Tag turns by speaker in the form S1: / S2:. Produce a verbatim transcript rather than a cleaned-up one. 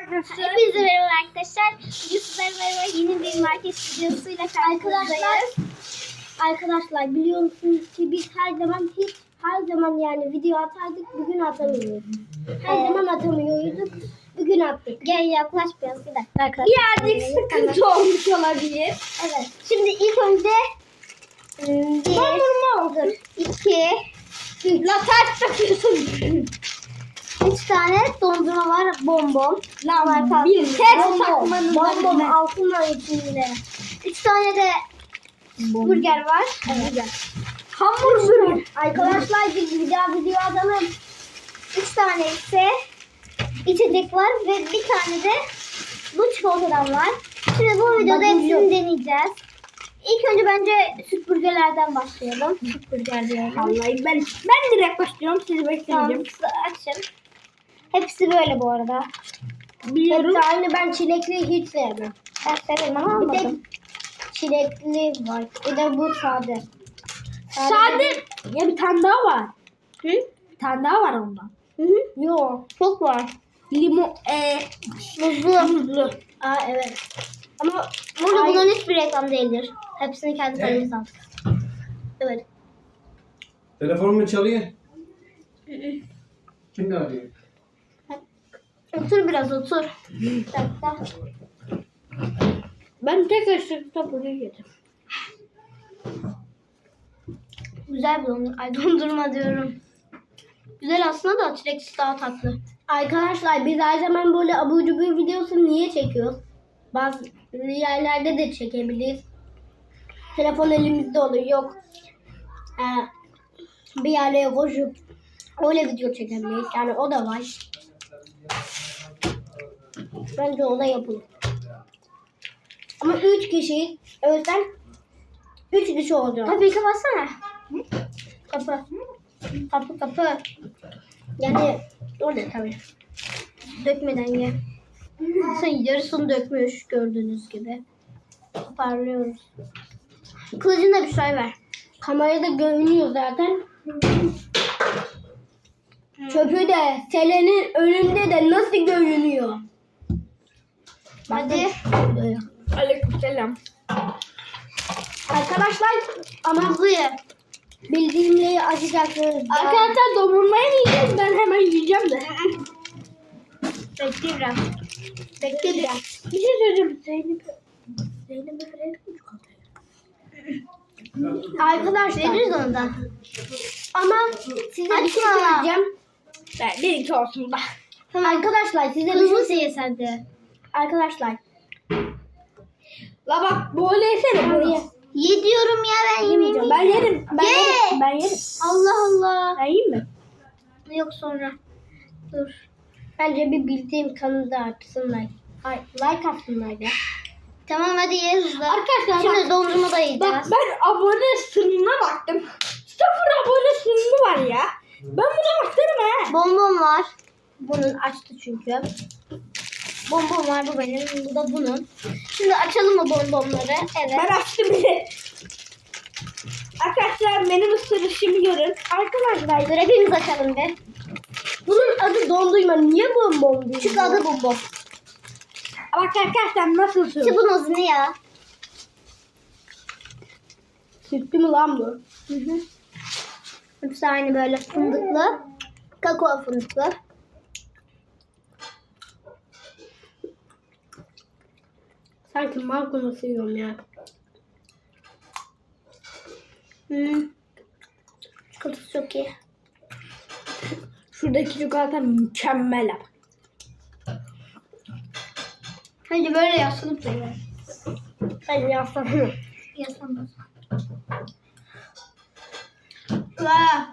S1: arkadaşlar.
S2: Hepinize merhaba arkadaşlar. Bugün sizlerle beraber yeni bir market videosuyla karşınızdayız.
S3: Arkadaşlar biliyor musunuz ki biz her zaman hiç her zaman yani video atardık, bugün atamıyoruz. Her
S2: Evet.
S3: zaman atamıyorduk, bugün attık.
S2: Gel yaklaş biraz bir dakika arkadaşlar.
S1: Birazcık sıkıntı olmuş olabilir.
S2: Evet. Şimdi ilk önce ım, bir,
S1: Dondurma oldu.
S2: iki, üç.
S1: La ters takıyorsun.
S2: Üç tane dondurma var. Bonbon.
S1: Lan
S2: Marka
S1: bir
S2: altında.
S1: ters
S2: Bonbon.
S1: takmanın
S2: Bonbon
S1: önüne.
S2: altınla içinde. Üç tane de burger var. Evet.
S1: Hamburger.
S2: Arkadaşlar biz bir daha video atalım. Üç tane ise içecek var ve bir tane de bu çikolatadan var. Şimdi bu videoda
S3: Bakın
S2: hepsini
S3: yok.
S2: deneyeceğiz. İlk önce bence süt burgerlerden başlayalım. Süt burger diyorum.
S1: Vallahi ben ben direkt başlıyorum. Sizi
S2: Tamam,
S1: bekleyeceğim.
S2: size açın. Hepsi böyle bu arada.
S1: Biliyorum.
S3: Hepsi aynı, ben çilekli hiç sevmem.
S2: Ben severim ama
S3: Bir tek
S2: almadım.
S3: çilekli var, bir de bu sade.
S1: Sade. Ya bir tane daha var.
S2: Hı?
S1: Bir tane daha var ondan.
S2: Hı hı.
S3: Yok.
S2: Çok var.
S1: Limon. Eee.
S2: Muzlu.
S1: Muzlu.
S3: Aa evet.
S2: Ama burada
S3: Ay-
S2: bunların hiçbir reklam değildir. Hepsini kendi kendimiz aldık. Evet.
S4: Telefon mu çalıyor? Kim arıyor?
S2: Otur biraz otur. Bir dakika.
S1: Ben tek ışıkta buraya yedim.
S2: Güzel bir dondurma. Ay dondurma diyorum. Güzel aslında da çileksiz daha tatlı.
S3: Arkadaşlar biz her zaman böyle abur cubur videosu niye çekiyoruz? Bazı yerlerde de çekebiliriz. Telefon elimizde olur, yok. Ee, bir yerlere koşup öyle video çekebiliriz. Yani o da var. Bence o da yapılır. Ama üç kişi, o yüzden üç kişi olacak.
S2: Kapıyı kapatsana. Kapı. Kapı kapı.
S3: Yani o ne tabii.
S2: Dökmeden ye. Sen yarısını dökmüş gördüğünüz gibi. Parlıyoruz. Kılıcına bir şey ver.
S3: Kamerada görünüyor zaten. Çöpü de Selen'in önünde de nasıl görünüyor?
S2: Hadi.
S1: Aleykümselam.
S3: Arkadaşlar ama
S2: Hızlı ye.
S3: bildiğimleri açacaksınız.
S1: Arkadaşlar dondurmayı mı yiyeceğiz? Ben hemen yiyeceğim de.
S2: Bekle biraz.
S3: Bekle biraz.
S1: Bir şey söyleyeceğim. Zeynep. Zeynep'e verelim mi çikolatayı?
S3: Arkadaşlar
S2: Veririz ondan.
S3: ama size bir şey
S2: Açma.
S3: söyleyeceğim.
S1: Ben bir iki olsun da.
S3: Arkadaşlar size bir
S2: Hızlı
S3: şey
S2: ye sen de.
S3: Arkadaşlar
S1: La bak böyle yesene böyle.
S2: Ye diyorum ya ben yemeyeceğim.
S1: Ben yerim. Ben
S2: Ye.
S1: yerim. Ben yerim.
S2: Allah Allah.
S1: Ben yiyeyim mi?
S2: Yok sonra. Dur.
S3: bence bir bildiğim kanalı da açsınlar. Ay, like atsınlar ya.
S2: Tamam hadi ye hızlı.
S1: Arkadaşlar
S2: Şimdi
S1: bak,
S2: dondurma da
S1: bak
S2: yiyeceğiz.
S1: ben abone sınırına baktım. Sıfır abone sınırı var ya. Ben buna bakarım ha.
S2: Bonbon var.
S3: Bunun açtı çünkü.
S2: Bonbon var bu benim. Bu da bunun. Şimdi açalım mı bonbonları? Evet.
S1: Ben açtım bile. Arkadaşlar benim ısırışımı görün. Arkadaşlar
S2: Dur hepimiz açalım bir.
S3: Bunun adı dondurma. Niye bonbon diyor?
S2: Çünkü adı bonbon.
S1: bak arkadaşlar nasıl ısırıyor?
S2: Şu bunun adı ne ya?
S3: Sütlü mü lan bu?
S2: Hı hı. Hepsi aynı böyle fındıklı. Kakao fındıklı.
S3: Sanki markonusu yiyorum ya.
S2: Hmm. Çikolatası çok iyi.
S1: Şuradaki çikolata mükemmel.
S2: Hadi böyle yaslanıp da ye.
S3: Ben yaslanırım.
S2: Yaslanmaz.
S3: Vaa.